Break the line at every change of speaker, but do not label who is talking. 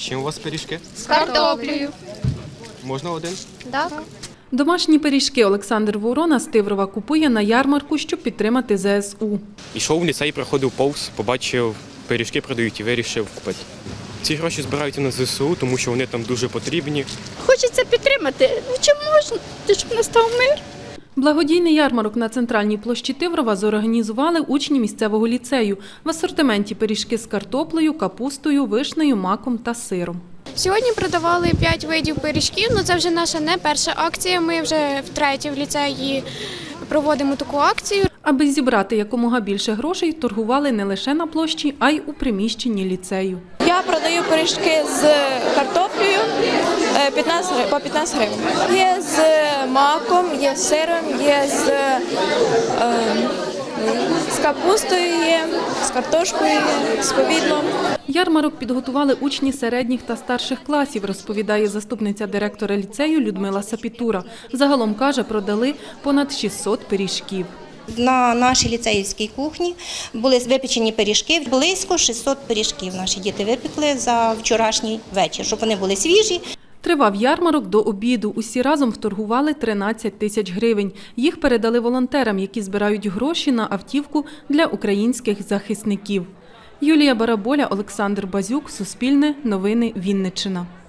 З чим у вас пиріжки?
З картоплею.
Можна один?
Так.
Домашні пиріжки Олександр Ворона з Тиврова купує на ярмарку, щоб підтримати ЗСУ.
Ішов в ліцей, проходив повз, побачив, пиріжки продають і вирішив купити. Ці гроші збираються на ЗСУ, тому що вони там дуже потрібні.
Хочеться підтримати. Ну, чи можна, щоб настав мир?
Благодійний ярмарок на центральній площі Тиврова зорганізували учні місцевого ліцею. В асортименті пиріжки з картоплею, капустою, вишнею, маком та сиром.
Сьогодні продавали 5 видів пиріжків, але це вже наша не перша акція, ми вже втретє в ліцеї проводимо таку акцію.
Аби зібрати якомога більше грошей, торгували не лише на площі, а й у приміщенні ліцею.
Я продаю пиріжки з картоплею по 15 гривень. Є з маком, є з сиром, є з капустою, є, з картошкою, є, з повідлом.
Ярмарок підготували учні середніх та старших класів, розповідає заступниця директора ліцею Людмила Сапітура. Загалом, каже, продали понад 600 пиріжків.
На нашій ліцеївській кухні були випечені пиріжки, близько 600 пиріжків наші діти випекли за вчорашній вечір, щоб вони були свіжі.
Тривав ярмарок до обіду. Усі разом вторгували 13 тисяч гривень. Їх передали волонтерам, які збирають гроші на автівку для українських захисників. Юлія Бараболя, Олександр Базюк, Суспільне, Новини Вінниччина.